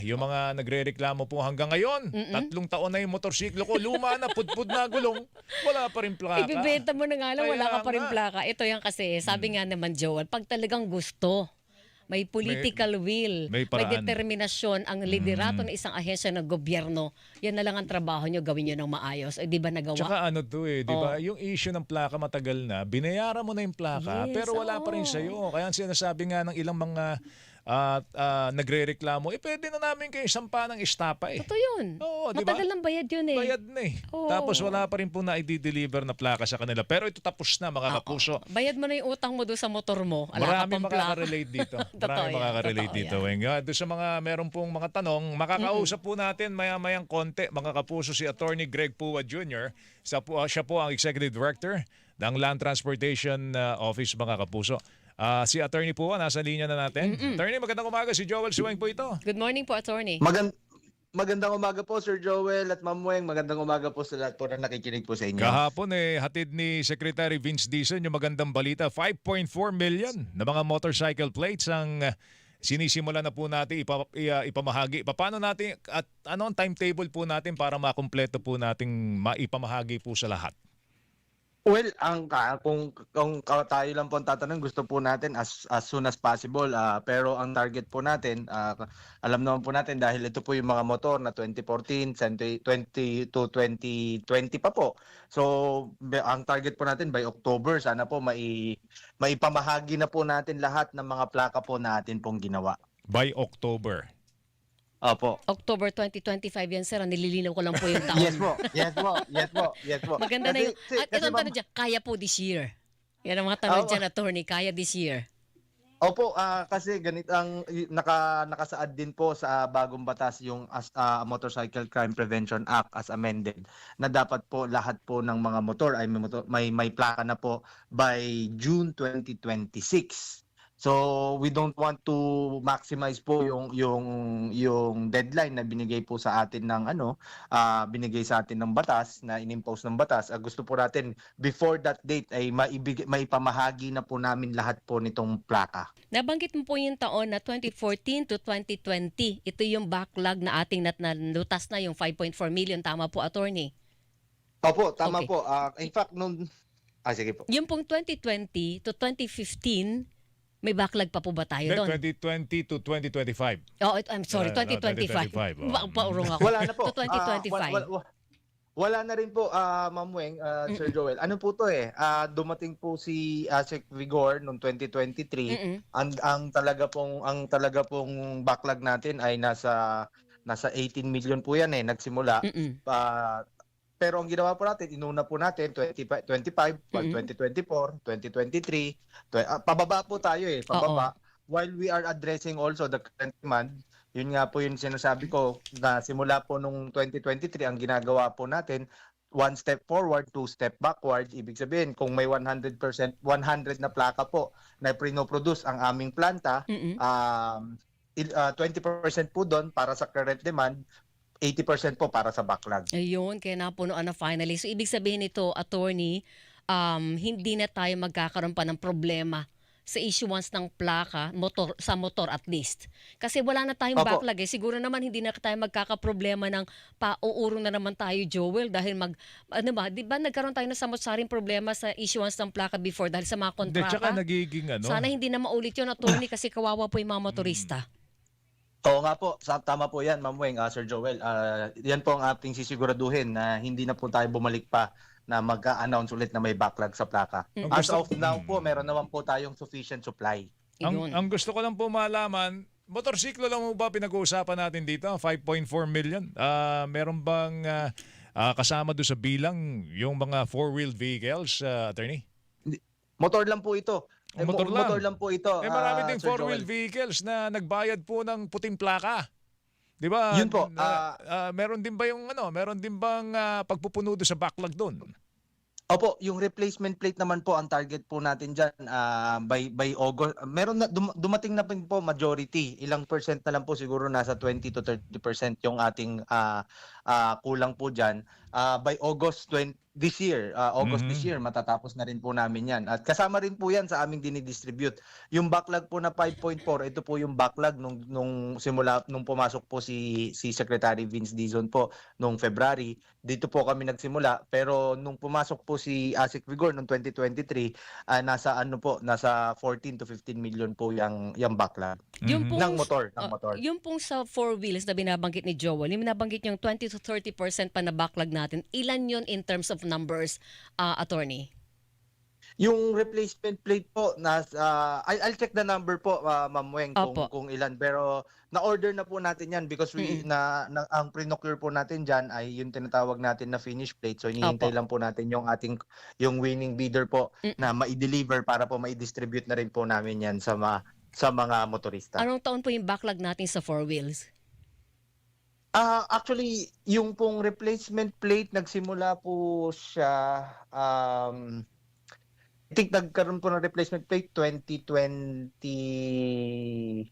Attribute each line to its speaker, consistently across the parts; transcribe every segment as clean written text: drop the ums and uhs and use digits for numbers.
Speaker 1: Yung mga nagrereklamo po hanggang ngayon, 3 taon na yung motorsiklo ko, luma na, pudpud na gulong, wala pa rin plaka.
Speaker 2: Ibebenta mo na nga lang, wala
Speaker 1: Kaya
Speaker 2: ka pa rin
Speaker 1: nga,
Speaker 2: plaka. Ito yan kasi, sabi nga naman Joel, pag talagang gusto, may
Speaker 1: may,
Speaker 2: political will,
Speaker 1: may
Speaker 2: may
Speaker 1: paraan.
Speaker 2: determinasyon ang liderato ng isang ahensya ng gobyerno, yan na lang ang trabaho nyo, gawin nyo ng maayos. Eh, di ba nagawa?
Speaker 1: Tsaka ano to eh, di ba?
Speaker 2: Oh.
Speaker 1: Yung issue ng plaka matagal na, binayaran mo na yung plaka,
Speaker 2: Yes,
Speaker 1: pero wala pa rin
Speaker 2: oo.
Speaker 1: sa'yo. Kaya ang sinasabi nga ng ilang mga nagrereklamo, pwede na namin kayo sampa ng estapa eh.
Speaker 2: Totoo yun.
Speaker 1: Oo, di ba?
Speaker 2: Matagal ng bayad yun eh.
Speaker 1: Bayad na eh.
Speaker 2: Oo.
Speaker 1: Tapos wala pa rin po na i-deliver na plaka sa kanila. Pero ito tapos na mga kapuso.
Speaker 2: Bayad mo na yung utang mo doon sa motor mo. Wala ka
Speaker 1: Marami
Speaker 2: pang plaka.
Speaker 1: makaka-relate dito.
Speaker 2: Totoo
Speaker 1: Marami
Speaker 2: yan,
Speaker 1: makaka-relate
Speaker 2: totoo
Speaker 1: dito,
Speaker 2: yan.
Speaker 1: Weng. Doon sa mga meron pong mga tanong, makakausap po natin maya-mayang konti, mga kapuso, si Attorney Greg Pua Jr. Siya po ang Executive Director ng Land Transportation Office, mga kapuso. Si Attorney Pua, nasa linya na natin. Attorney, magandang umaga. Si Joel Suweng po ito.
Speaker 2: Good morning po, attorney.
Speaker 3: Magandang umaga po, Sir Joel at Ma'am Weng. Magandang umaga po sa lahat po na nakikinig po sa inyo.
Speaker 1: Kahapon hatid ni Secretary Vince Dizon yung magandang balita, 5.4 million na mga motorcycle plates ang sinisimula na po natin ipamahagi. Paano natin at ano ang timetable po natin para makumpleto po nating maipamahagi po sa lahat?
Speaker 3: Well, kung tayo lang po ang tatanong, gusto po natin as soon as possible. Pero ang target po natin, alam naman po natin dahil ito po yung mga motor na 2014, 20 to 2020 pa po. So, ang target po natin by October, sana po maipamahagi na po natin lahat ng mga plaka po natin pong ginawa.
Speaker 1: By October.
Speaker 3: Opo.
Speaker 2: October 2025 yan, sir. Nililinaw ko lang po yung taon.
Speaker 3: Yes po. Yes po. Yes po. Yes po.
Speaker 2: Maganda na yung... At
Speaker 3: Kasi,
Speaker 2: itong
Speaker 3: ma'am,
Speaker 2: tanong dyan, kaya po this year. Yan ang mga tanong
Speaker 3: Oo.
Speaker 2: dyan, attorney. Kaya this year.
Speaker 3: Opo, kasi ganito ang nakasaad din po sa bagong batas yung Motorcycle Crime Prevention Act as amended na dapat po lahat po ng mga motor ay may plaka na po by June 2026. So we don't want to maximize po yung deadline na binigay po sa atin ng binigay sa atin ng batas na inimpose ng batas. Gusto po natin before that date ay maipamahagi na po namin lahat po nitong plaka.
Speaker 2: Nabanggit mo po yung taon na 2014 to 2020. Ito yung backlog na ating nalutas na yung 5.4 million. Tama po, attorney?
Speaker 3: Opo, tama
Speaker 2: Okay.
Speaker 3: po. In fact, sige po.
Speaker 2: Yung pong 2020 to 2015, may backlog pa po ba tayo doon?
Speaker 1: 2020 to 2025.
Speaker 2: Oh, I'm sorry, 2025.
Speaker 1: 2025,
Speaker 2: Paurong ako.
Speaker 3: Wala na po.
Speaker 2: To 2025.
Speaker 3: Wala na rin po, Ma'am Weng, Sir Joel. Ano po to dumating po si Sec Vigor noong 2023. Ang talaga pong backlog natin ay nasa 18 million po yan nagsimula. Pero ang ginawa po natin, inuna po natin 2025, 2024, 2023. Pababa po tayo pababa. While we are addressing also the current demand, yun nga po yung sinasabi ko na simula po nung 2023, ang ginagawa po natin, one step forward, two step backward. Ibig sabihin, kung may 100% 100 na plaka po na pinoproduce ang aming planta, 20% po doon para sa current demand, 80% po para sa backlog.
Speaker 2: Ayun, kaya napunuan na finally. So, ibig sabihin nito, attorney, hindi na tayo magkakaroon pa ng problema sa issuance ng plaka sa motor at least. Kasi wala na tayong
Speaker 3: Opo.
Speaker 2: backlog Siguro naman hindi na tayo magkakaproblema ng pauurong na naman tayo, Joel, dahil di ba nagkaroon tayo ng samot-saring problema sa issuance ng plaka before dahil sa mga
Speaker 1: Hindi,
Speaker 2: kontrata?
Speaker 1: tsaka nagiging
Speaker 2: Sana hindi na maulit yun, attorney, kasi kawawa po yung mga motorista.
Speaker 3: Oo nga po, tama po yan, Ma'am Weng, Sir Joel. Yan po ang ating sisiguraduhin na hindi na po tayo bumalik pa na mag-announce ulit na may backlog sa plaka. As of now po, meron naman po tayong sufficient supply.
Speaker 2: Ayun.
Speaker 1: Ang gusto ko lang po malaman, motorsiklo lang mo ba pinag-uusapan natin dito? 5.4 million. Meron bang kasama doon sa bilang yung mga four-wheel vehicles, attorney?
Speaker 3: Motor lang po ito.
Speaker 1: Motor lang
Speaker 3: po ito.
Speaker 1: marami ding
Speaker 3: Sir
Speaker 1: four-wheel
Speaker 3: Joel.
Speaker 1: vehicles na nagbayad po ng puting plaka. 'Di ba?
Speaker 3: Yun po,
Speaker 1: Meron din ba meron din bang pagpupuno doon sa backlog doon?
Speaker 3: Opo, yung replacement plate naman po ang target po natin diyan by August. Meron na dumating na po majority. Ilang percent na lang po siguro nasa 20 to 30% yung ating kulang po diyan. by August this year, this year matatapos na rin po namin 'yan. At kasama rin po 'yan sa aming dinidistribute. Yung backlog po na 5.4, ito po yung backlog nung simula nung pumasok po si Secretary Vince Dizon po nung February. Dito po kami nagsimula, pero nung pumasok po si ASEC Vigor noong 2023, nasa 14 to 15 million po yung backlog
Speaker 2: Yung
Speaker 3: ng motor.
Speaker 2: Yung pong sa four wheels na binabanggit ni Joel, yung binabanggit yung 20 to 30% pa na backlog natin, ilan yun in terms of numbers, attorney?
Speaker 3: Yung replacement plate po, I'll check the number po, Ma'am Weng, kung ilan. Pero na-order na po natin yan because ang pre-procure po natin dyan ay yung tinatawag natin na finish plate. So hinihintay lang po natin yung winning bidder po na ma-deliver para po ma-distribute na rin po namin yan sa mga motorista.
Speaker 2: Anong taon po yung backlog natin sa four wheels?
Speaker 3: Actually, yung pong replacement plate, nagsimula po siya, I think nagkaroon po ng replacement plate 2021.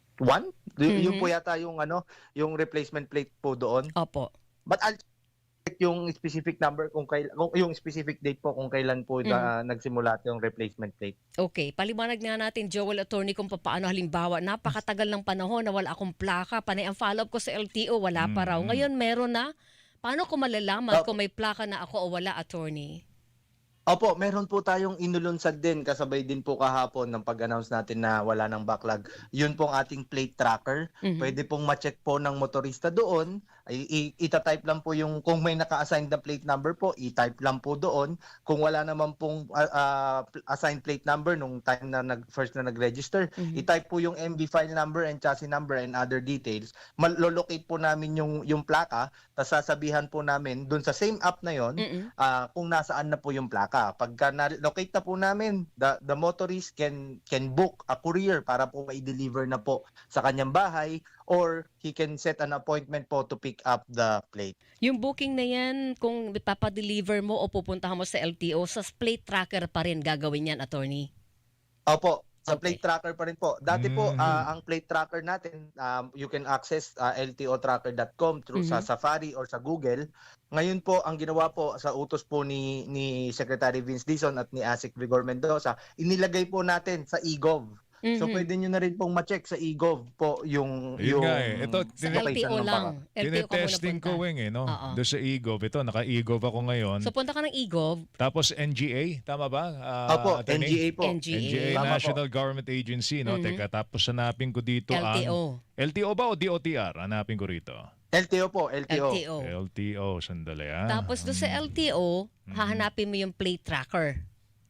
Speaker 3: Yung po yata yung replacement plate po doon.
Speaker 2: Opo.
Speaker 3: But I'll check yung specific number yung specific date po kung kailan po nagsimula yung replacement plate.
Speaker 2: Okay, paliwanag nga natin, Joel, attorney, kung paano halimbawa, napakatagal ng panahon na wala akong plaka, panay ang follow-up ko sa LTO, wala pa raw. Ngayon meron na. Paano ko malalaman kung may plaka na ako o wala, attorney?
Speaker 3: Opo, meron po tayong inulunsad din kasabay din po kahapon ng pag-announce natin na wala ng backlog. Yun pong ating plate tracker. Pwede pong ma-check po ng motorista doon. Ita-type lang po yung kung may naka-assign na plate number po, i-type lang po doon. Kung wala naman pong assigned plate number nung time na first na nag-register, i-type po yung MV file number and chassis number and other details. Malolocate po namin yung plaka, tapos sasabihan po namin doon sa same app na yon kung nasaan na po yung plaka. Pagka na-locate na po namin, the motorist can book a courier para po ma-deliver na po sa kanyang bahay, or he can set an appointment po to pick up the plate.
Speaker 2: Yung booking na yan, kung papadeliver mo o pupuntahan mo sa LTO, sa plate tracker pa rin gagawin yan, attorney?
Speaker 3: Opo, sa plate tracker pa rin po. Dati po, ang plate tracker natin, you can access ltotracker.com through sa Safari or sa Google. Ngayon po, ang ginawa po sa utos po ni Secretary Vince Dizon at ni ASEC Vigor Mendoza, inilagay po natin sa eGov. So pwede nyo na rin pong ma-check sa eGov po yung
Speaker 1: Ito,
Speaker 2: sa LTO lang. LTO ka muna
Speaker 1: tinetesting ko,
Speaker 2: punta.
Speaker 1: Weng, no? Doon sa eGov. Ito, naka-eGov ako ngayon.
Speaker 2: So punta ka ng eGov.
Speaker 1: Tapos NGA, tama ba?
Speaker 3: Opo,
Speaker 1: attorney?
Speaker 3: NGA po.
Speaker 2: NGA.
Speaker 3: Tama
Speaker 1: National Government Agency, no? Teka, tapos hanapin ko dito
Speaker 2: LTO.
Speaker 1: LTO ba o DOTR? Hanapin ko rito.
Speaker 3: LTO po, LTO.
Speaker 2: LTO.
Speaker 1: LTO, sandali
Speaker 2: Tapos doon sa LTO, hahanapin mo yung plate tracker.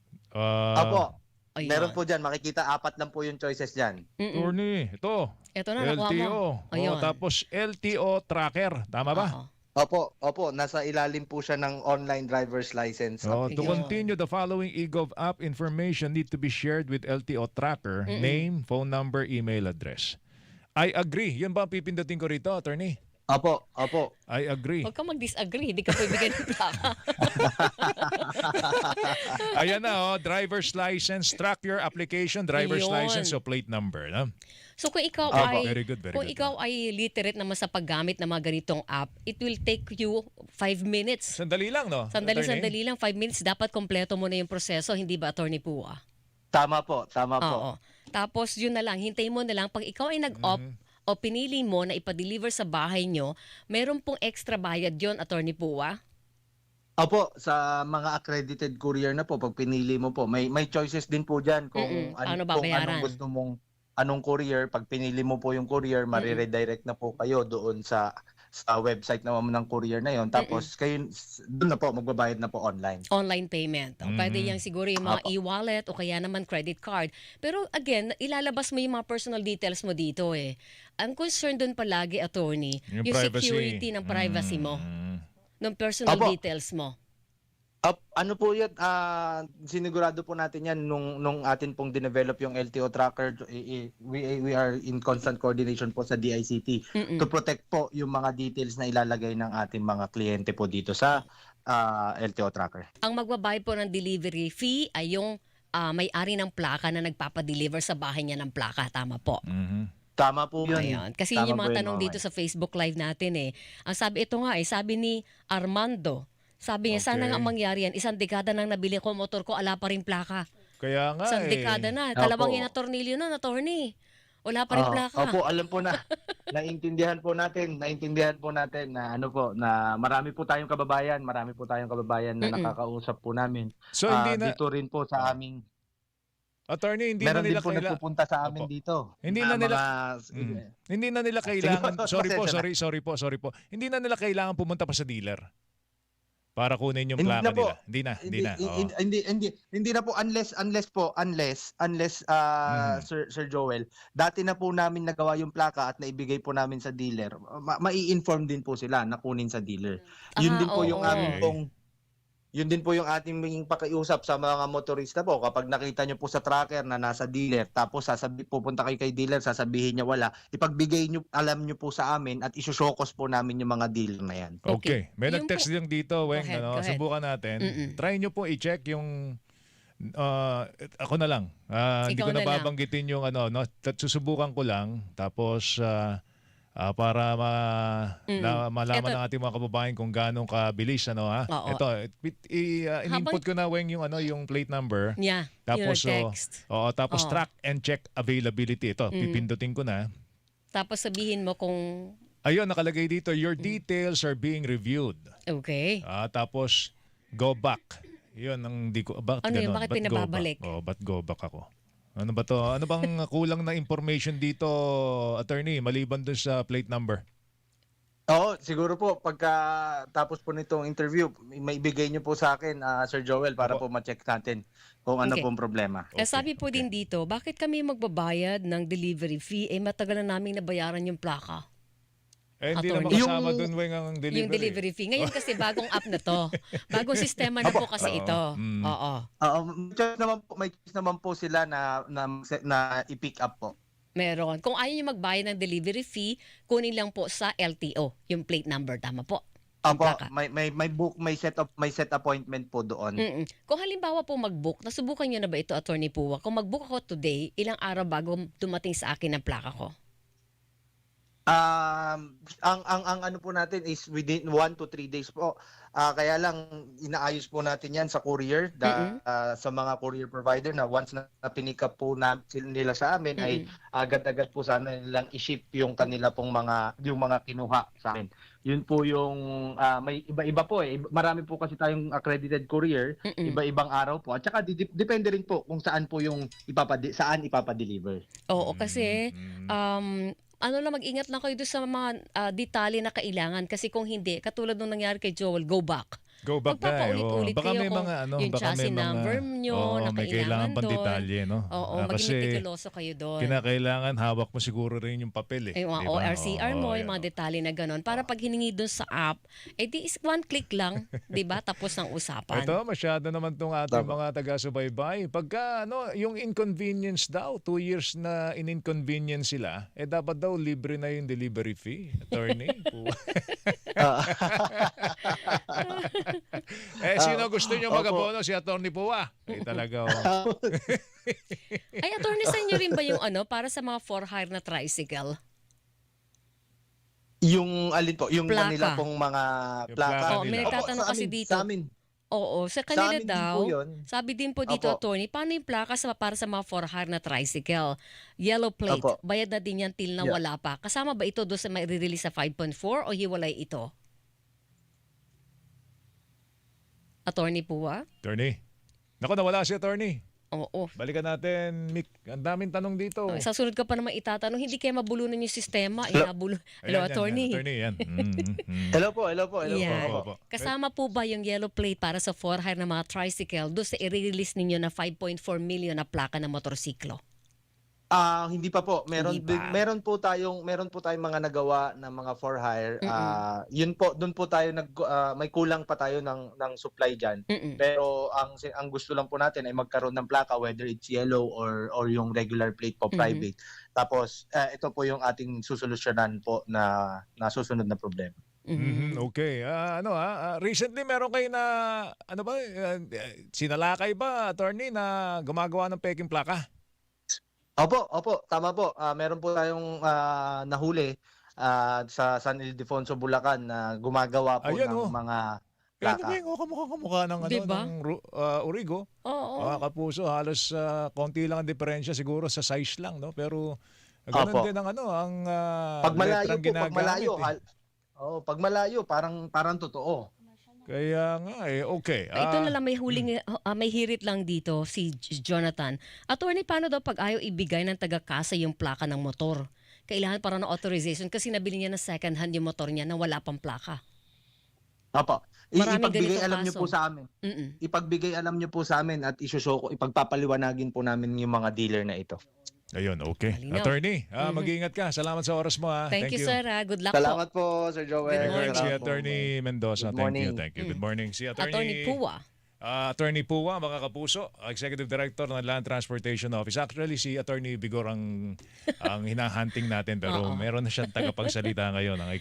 Speaker 3: Opo.
Speaker 2: Ayun.
Speaker 3: Meron po dyan, makikita 4 lang po yung choices dyan.
Speaker 1: Attorney, ito.
Speaker 2: Ito na, nakuha
Speaker 1: LTO.
Speaker 2: mo. Ayun.
Speaker 1: Tapos LTO tracker, tama ba?
Speaker 2: Oo.
Speaker 3: Opo, nasa ilalim po siya ng online driver's license.
Speaker 1: To
Speaker 2: Ayun.
Speaker 1: continue, the following eGov app information need to be shared with LTO tracker, name, phone number, email address. I agree. Yan ba ang pipindutin ko rito, attorney?
Speaker 3: Opo.
Speaker 1: I agree.
Speaker 2: Huwag kang mag-disagree, hindi ka pwede ng plaka.
Speaker 1: Ayan na, driver's license, track your application, driver's
Speaker 2: Ayun.
Speaker 1: license, so plate number. No?
Speaker 2: So kung ikaw
Speaker 1: Very good.
Speaker 2: ikaw ay literate naman sa paggamit ng mga ganitong app, it will take you 5 minutes.
Speaker 1: Sandali lang, no? Attorney?
Speaker 2: Sandali lang, 5 minutes. Dapat kompleto mo na yung proseso, hindi ba, Attorney Pua?
Speaker 3: Tama po.
Speaker 2: Oo. Tapos yun na lang, hintayin mo na lang. Pag ikaw ay nag-opt o pinili mo na ipa-deliver sa bahay nyo, meron pong extra bayad yon, Attorney Pua?
Speaker 3: Opo, sa mga accredited courier na po, pag pinili mo po, may choices din po dyan kung
Speaker 2: Paano
Speaker 3: kung
Speaker 2: babayaran?
Speaker 3: anong gusto mong anong courier. Pag pinili mo po yung courier, mariredirect na po kayo doon sa website naman ng courier na yon. Tapos kayo doon na po magbabayad na po online.
Speaker 2: Online payment. O, pwede yan siguro yung mga e-wallet o kaya naman credit card. Pero again, ilalabas mo yung mga personal details mo dito eh. Ang concern doon palagi, attorney, yung
Speaker 1: privacy.
Speaker 2: security ng privacy mo, ng personal details mo.
Speaker 3: Ano po yan, sinigurado po natin yan nung atin pong dinevelop yung LTO tracker. We are in constant coordination po sa DICT to protect po yung mga details na ilalagay ng ating mga kliyente po dito sa LTO tracker.
Speaker 2: Ang magbabayad po ng delivery fee ay yung may-ari ng plaka na nagpapadeliver sa bahay niya ng plaka. Tama po.
Speaker 3: Tama po yun.
Speaker 2: Ayan. Kasi yun
Speaker 3: Tama
Speaker 2: yung
Speaker 3: po
Speaker 2: mga
Speaker 3: yun,
Speaker 2: tanong
Speaker 3: Ma'am
Speaker 2: dito
Speaker 3: Weng.
Speaker 2: sa Facebook Live natin eh. Ang sabi, ito nga eh, sabi ni Armando, sabi niya, sana nga
Speaker 1: Okay.
Speaker 2: mangyari yan, isang dekada nang nabili ko motor ko, ala pa rin plaka.
Speaker 1: Kaya nga
Speaker 2: Isang dekada
Speaker 1: eh.
Speaker 2: na.
Speaker 3: Opo.
Speaker 2: Dalawang tornilyo na, attorney. Wala pa rin plaka.
Speaker 3: Opo, alam po na. Naintindihan po natin na ano po, na marami po tayong kababayan na
Speaker 2: Mm-mm.
Speaker 3: nakakausap po namin.
Speaker 1: So hindi na,
Speaker 3: Dito rin po sa aming,
Speaker 1: attorney, hindi na
Speaker 3: meron din
Speaker 1: nila
Speaker 3: po
Speaker 1: kailangan.
Speaker 3: nagpupunta sa amin
Speaker 1: Opo.
Speaker 3: dito.
Speaker 1: Hindi na nila hindi na nila kailangan. Sorry po, sorry po. Hindi na nila kailangan pumunta pa sa dealer para kunin yung
Speaker 3: Hindi
Speaker 1: plaka
Speaker 3: na po.
Speaker 1: nila. Hindi na. Oo.
Speaker 3: Hindi na po unless Sir Joel, dati na po namin nagawa yung plaka at naibigay po namin sa dealer. Mai-inform din po sila na kunin sa dealer. Yun din po yung
Speaker 2: oo.
Speaker 3: aming pong Yun din po yung ating pakiusap sa mga motorista po. Kapag nakita nyo po sa tracker na nasa dealer, tapos pupunta kayo kay dealer, sasabihin niya wala, ipagbigay nyo, alam nyo po sa amin at isusokos po namin yung mga dealer na yan.
Speaker 1: Okay. May
Speaker 2: Yung
Speaker 1: nag-text lang dito, Weng.
Speaker 2: ahead,
Speaker 1: Ano,
Speaker 2: go ahead.
Speaker 1: subukan natin.
Speaker 2: Mm-mm.
Speaker 1: Try nyo po i-check yung ako na lang. Hindi
Speaker 2: Ikaw
Speaker 1: ko
Speaker 2: na
Speaker 1: na
Speaker 2: lang.
Speaker 1: babanggitin yung ano, no, susubukan ko lang tapos para malaman
Speaker 2: Ito-
Speaker 1: ng ating mga kababayan kung gaano kabilis ano ha.
Speaker 2: Oo.
Speaker 1: Ito, in-input ko na Weng yung plate number.
Speaker 2: Yeah,
Speaker 1: Tapos
Speaker 2: yung text.
Speaker 1: tapos
Speaker 2: Oo.
Speaker 1: track and check availability. Ito,
Speaker 2: Mm.
Speaker 1: pipindutin ko na.
Speaker 2: Tapos sabihin mo kung,
Speaker 1: Ayun, nakalagay dito, your details are being reviewed.
Speaker 2: okay.
Speaker 1: Tapos go back. 'Yun ang di ko
Speaker 2: Ano yun? Bakit
Speaker 1: Ba't go
Speaker 2: pinababalik?
Speaker 1: back? Ba't go back ako? Ano ba to? Ano bang kulang na information dito, attorney, maliban dun sa plate number?
Speaker 3: Oo, siguro po pagka tapos po nitong interview, may ibigay niyo po sa akin, Sir Joel, para
Speaker 1: Opo.
Speaker 3: po ma-check natin kung ano
Speaker 2: Okay.
Speaker 3: pong problema.
Speaker 2: Okay, sabi po din dito, bakit kami magbabayad ng delivery fee? Matagal na namin nabayaran yung plaka.
Speaker 1: Hindi
Speaker 2: Attorney.
Speaker 1: naman kasama dun Weng ang delivery.
Speaker 2: Yung delivery fee. Ngayon kasi bagong app na to. Bagong sistema na po kasi
Speaker 1: Oo.
Speaker 2: ito.
Speaker 1: Mm.
Speaker 2: Oo.
Speaker 3: May choice naman po sila na i-pick up po.
Speaker 2: Meron. Kung ayaw nyo magbayad ng delivery fee, kunin lang po sa LTO, yung plate number. Tama po. Yung
Speaker 3: Opo,
Speaker 2: plaka.
Speaker 3: may set appointment po doon.
Speaker 2: Mm-mm. Kung halimbawa po mag-book, nasubukan nyo na ba ito, Attorney Puwa? Kung mag-book ako today, ilang araw bago dumating sa akin ang plaka ko?
Speaker 3: Ang ano po natin is within 1 to 3 days po. Kaya lang inaayos po natin 'yan sa courier sa mga courier provider na once na pinick up po nila sa amin ay agad-agad po sana nilang i-ship yung kanila pong yung mga kinuha sa amin. Yun po yung may iba-iba po eh. Marami po kasi tayong accredited courier, iba-ibang araw po. At saka depende rin po kung saan po yung saan ipapadeliver.
Speaker 2: Oo, kasi ano lang, mag-ingat lang kayo doon sa mga detalye na kailangan. Kasi kung hindi, katulad nung nangyari kay Joel, go back.
Speaker 1: Go back na.
Speaker 2: Magpapaulit-ulit
Speaker 1: Baka
Speaker 2: kayo
Speaker 1: may
Speaker 2: kung
Speaker 1: mga
Speaker 2: yung
Speaker 1: baka
Speaker 2: chassis
Speaker 1: may mga
Speaker 2: number nyo na
Speaker 1: may kailangan pang
Speaker 2: doon.
Speaker 1: detalye, no?
Speaker 2: Oo, maging
Speaker 1: Kasi
Speaker 2: meticuloso kayo doon.
Speaker 1: kinakailangan hawak mo siguro rin yung papel eh.
Speaker 2: Yung mga
Speaker 1: Di ba?
Speaker 2: ORCR mo, yung mga
Speaker 1: yan.
Speaker 2: detalye na gano'n. Para pag hiningi doon sa app, di is one click lang, di ba? Tapos ng usapan.
Speaker 1: Ito, masyado naman itong ating mga taga-subaybay. Pagka yung inconvenience daw, 2 years na in-inconvenience sila, dapat daw libre na yung delivery fee. Attorney. Sino gusto nyo mag-abono? Si Attorney Puwa. Talaga.
Speaker 2: Ay, attorney, sa inyo rin ba yung para sa mga for-hire na tricycle?
Speaker 3: Yung alin po, yung
Speaker 2: Plaka.
Speaker 3: kanila pong mga
Speaker 1: Yung
Speaker 3: plaka.
Speaker 1: plaka
Speaker 2: Oo, may
Speaker 1: nila.
Speaker 2: nagtatanong
Speaker 3: Opo,
Speaker 2: kasi dito.
Speaker 3: Sa amin.
Speaker 2: Oo, sa
Speaker 3: Sa
Speaker 2: kanila
Speaker 3: amin din
Speaker 2: daw,
Speaker 3: po yun.
Speaker 2: sabi din po dito,
Speaker 3: Opo.
Speaker 2: attorney, paano yung plaka para sa mga for-hire na tricycle? Yellow plate,
Speaker 3: Opo.
Speaker 2: bayad na din yan till na
Speaker 3: Yeah.
Speaker 2: wala pa. Kasama ba ito doon sa may release sa 5.4 o hiwalay ito? Attorney Puwa?
Speaker 1: Attorney. Naku, nawala si Attorney.
Speaker 2: Oo.
Speaker 1: Balikan natin, Mick. Ang daming tanong dito.
Speaker 2: Sa sunod ka pa naman itatanong, hindi kayo mabulunan yung sistema. Hello,
Speaker 1: Ayan,
Speaker 2: attorney.
Speaker 1: Attorney, yan.
Speaker 3: Hello po.
Speaker 2: Yan.
Speaker 1: Opo.
Speaker 2: Kasama po ba yung yellow plate para sa for-hire ng mga tricycle doon sa i-release ninyo na 5.4 million na plaka ng motorsiklo?
Speaker 3: Hindi pa po.
Speaker 2: Hindi pa.
Speaker 3: Meron po tayong mga nagawa na mga for hire. Yun po, doon po tayo may kulang pa tayo ng supply diyan. Pero ang gusto lang po natin ay magkaroon ng plaka, whether it's yellow or yung regular plate po private. Tapos ito po yung ating susolusyonan po na susunod na problema.
Speaker 1: Okay. Recently meron kayo na sinalakay ba, Attorney, na gumagawa ng peking plaka?
Speaker 3: Opo, tama po. Meron po tayong nahuli sa San Ildefonso, Bulacan na gumagawa po
Speaker 1: Ayan,
Speaker 3: ng
Speaker 1: oh.
Speaker 3: mga
Speaker 1: Kaya ano
Speaker 3: plaka.
Speaker 1: ba yung kamukha ng,
Speaker 2: Di ba?
Speaker 1: Origo?
Speaker 2: Oo.
Speaker 1: Mga kapuso, halos konti lang ang diferensya siguro sa size lang, no? Pero ganun
Speaker 3: Opo.
Speaker 1: din ang
Speaker 3: Pag malayo
Speaker 1: letrang
Speaker 3: po, pag malayo,
Speaker 1: ginagamit.
Speaker 3: pag malayo parang totoo.
Speaker 1: Kaya nga okay.
Speaker 2: Ito na lang may hirit lang dito si Jonathan. Attorney, paano daw pag ayaw ibigay ng taga-kasa yung plaka ng motor? Kailangan para ng authorization kasi nabili niya na second hand yung motor niya na wala pang plaka.
Speaker 3: Opo.
Speaker 2: Maraming
Speaker 3: Ipagbigay
Speaker 2: ganitong
Speaker 3: alam niyo
Speaker 2: kaso.
Speaker 3: po sa amin.
Speaker 2: Mm-mm.
Speaker 3: Ipagbigay alam niyo po sa amin at ipagpapaliwanagin po namin yung mga dealer na ito.
Speaker 1: Ayun, okay.
Speaker 2: Malinaw.
Speaker 1: Attorney, mag-iingat ka. Salamat sa oras mo.
Speaker 2: Thank you, sir. Good luck po.
Speaker 3: Salamat po, Sir Joel.
Speaker 2: Good
Speaker 1: Regards si
Speaker 2: morning.
Speaker 1: Attorney Mendoza.
Speaker 3: Good
Speaker 1: Thank
Speaker 3: morning.
Speaker 1: you, thank you. Good morning. Si
Speaker 2: Attorney Pua.
Speaker 1: Attorney Pua, mga kapuso, Executive Director ng Land Transportation Office. Actually, si Attorney Bigor ang hinahunting natin pero
Speaker 2: Oo.
Speaker 1: meron na siyang tagapagsalita ngayon. Ang